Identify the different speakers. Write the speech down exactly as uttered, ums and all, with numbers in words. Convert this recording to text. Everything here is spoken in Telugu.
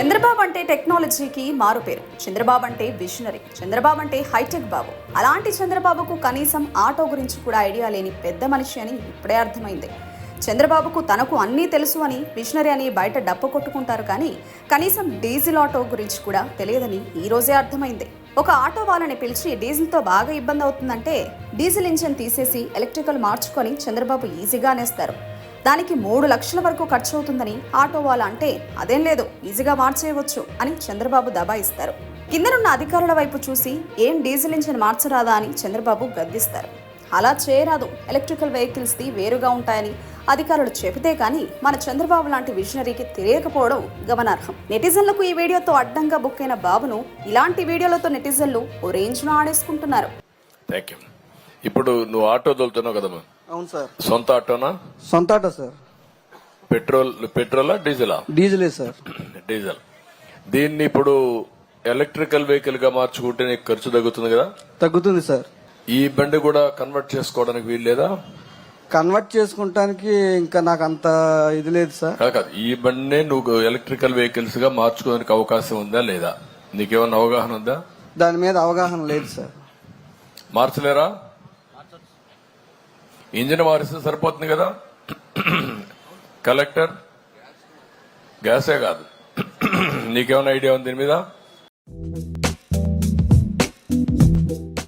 Speaker 1: చంద్రబాబు అంటే టెక్నాలజీకి మారు పేరు. చంద్రబాబు అంటే విజనరీ. చంద్రబాబు అంటే హైటెక్ బాబు. అలాంటి చంద్రబాబుకు కనీసం ఆటో గురించి కూడా ఐడియా లేని పెద్ద మనిషి అని ఇప్పుడే అర్థమైంది. చంద్రబాబుకు తనకు అన్నీ తెలుసు అని, విజనరీ అని బయట డప్పు కొట్టుకుంటారు, కానీ కనీసం డీజిల్ ఆటో గురించి కూడా తెలియదని ఈ రోజే అర్థమైంది. ఒక ఆటో వాళ్ళని పిలిచి డీజిల్తో బాగా ఇబ్బంది అవుతుందంటే డీజిల్ ఇంజన్ తీసేసి ఎలక్ట్రికల్ మార్చుకొని చంద్రబాబు ఈజీగా అనేస్తారు. దానికి మూడు లక్షల వరకు ఖర్చు అవుతుందని ఆటో వాళ్ళ అంటే అదేం లేదు, ఈజీగా మార్చేయవచ్చు అని చంద్రబాబు దబాయిస్తారు. కిందనున్న అధికారుల వైపు చూసి ఏం డీజిల్ ఇంజిన్ మార్చరాదా అని చంద్రబాబు గద్దిస్తారు. అలా చేయరాదు, ఎలక్ట్రికల్ వెహికల్స్ది వేరుగా ఉంటాయని అధికారులు చెబితే కానీ మన చంద్రబాబు లాంటి విజనరీకి తెలియకపోవడం గమనార్హం. నెటిజన్లకు ఈ వీడియోతో అడ్డంగా బుక్ అయిన బాబును ఇలాంటి వీడియోలతో నెటిజన్లు ఓ రేంజ్ను ఆడేసుకుంటున్నారు.
Speaker 2: ఇప్పుడు నువ్వు ఆటో తోలుతున్నావు కదమ్మా?
Speaker 3: అవును సార్.
Speaker 2: సొంత ఆటోనా?
Speaker 3: సొంత ఆటో సార్.
Speaker 2: పెట్రోల్ పెట్రోలా డీజిలా?
Speaker 3: డీజిలే సార్.
Speaker 2: డీజిల్. దీన్ని ఇప్పుడు ఎలక్ట్రికల్ వెహికల్ గా మార్చుకుంటే నీకు ఖర్చు తగ్గుతుంది కదా?
Speaker 3: తగ్గుతుంది సార్.
Speaker 2: ఈ బండి కూడా కన్వర్ట్ చేసుకోవడానికి వీలు లేదా?
Speaker 3: కన్వర్ట్ చేసుకుంటానికి ఇంకా నాకు అంత ఇది లేదు సార్.
Speaker 2: కాదు, ఈ బండినే నువ్వు ఎలక్ట్రికల్ వెహికల్స్ గా మార్చుకోవడానికి అవకాశం ఉందా లేదా? నీకేమన్నా అవగాహన ఉందా?
Speaker 3: దాని మీద అవగాహన లేదు సార్.
Speaker 2: మార్చలేరా? ఇంజిన్ మారిస్తే సరిపోతుంది కదా. కలెక్టర్ గ్యాసే కాదు, నీకేమైనా ఐడియా ఉంది దీని మీద?